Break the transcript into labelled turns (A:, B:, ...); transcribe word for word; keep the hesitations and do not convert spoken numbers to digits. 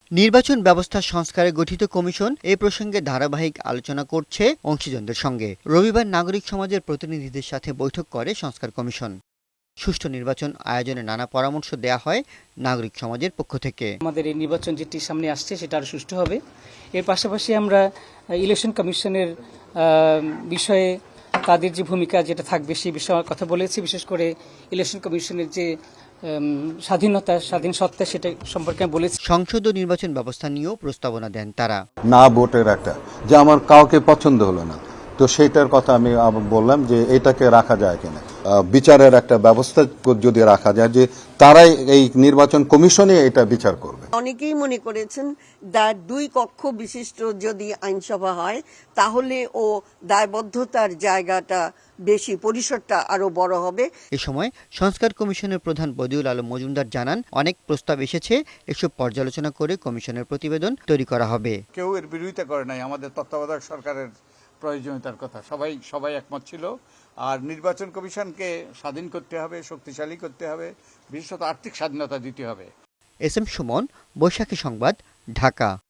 A: নির্বাচন ব্যবস্থা সংস্কারে গঠিত কমিশন এ প্রসঙ্গে ধারাবাহিক আলোচনা করছে অংশীজনদের সঙ্গে। রবিবার নাগরিক সমাজের প্রতিনিধিদের সাথে বৈঠক করে সংস্কার কমিশন। সুষ্ঠু নির্বাচন আয়োজনে নানা পরামর্শ দেয়া হয় নাগরিক সমাজের পক্ষ থেকে।
B: আমাদের এই নির্বাচন যেটি সামনে আসছে সেটা আরো সুষ্ঠু হবে। এর পাশাপাশি আমরা ইলেকশন কমিশনের বিষয়ে তাদের যে ভূমিকা যেটা থাকবে সেই বিষয়ে কথা বলেছি। বিশেষ করে ইলেকশন কমিশনের যে স্বাধীনতা স্বাধীন সত্তা সেটা সম্পর্কে বলেছি।
A: সংসদ ও নির্বাচন ব্যবস্থা নিয়েও প্রস্তাবনা দেন তারা।
C: না ভোটের একটা যে আমার কাউকে পছন্দ হলো না, তো সেইটার কথা আমি বললাম যে এটাকে রাখা যায় কিনা, বিচারের একটা ব্যবস্থা যদি রাখা যায় যে তারাই এই নির্বাচন কমিশনে এটা বিচার করবে।
D: অনেকেই মনে করেছেন দুই কক্ষ বিশিষ্ট যদি আইনসভা হয় তাহলে ও দায়বদ্ধতার জায়গাটা বেশি, পরিসরটা আরো বড় হবে।
A: এ সময় সংস্কার কমিশনের প্রধান বদিউল আলম মজুমদার জানান, অনেক প্রস্তাব এসেছে, এসব পর্যালোচনা করে কমিশনের প্রতিবেদন তৈরি করা হবে।
E: কেউ এর বিরোধিতা করে নাই। আমাদের তত্ত্বাবধায়ক সরকারের প্রয়োজনীয়তার কথা সবাই সবাই একমত ছিল। আর নির্বাচন কমিশনকে স্বাধীন করতে হবে, শক্তিশালী করতে হবে, বিশেষত আর্থিক স্বাধীনতা দিতে হবে।
A: এস এম সুমন, বৈশাখী সংবাদ, ঢাকা।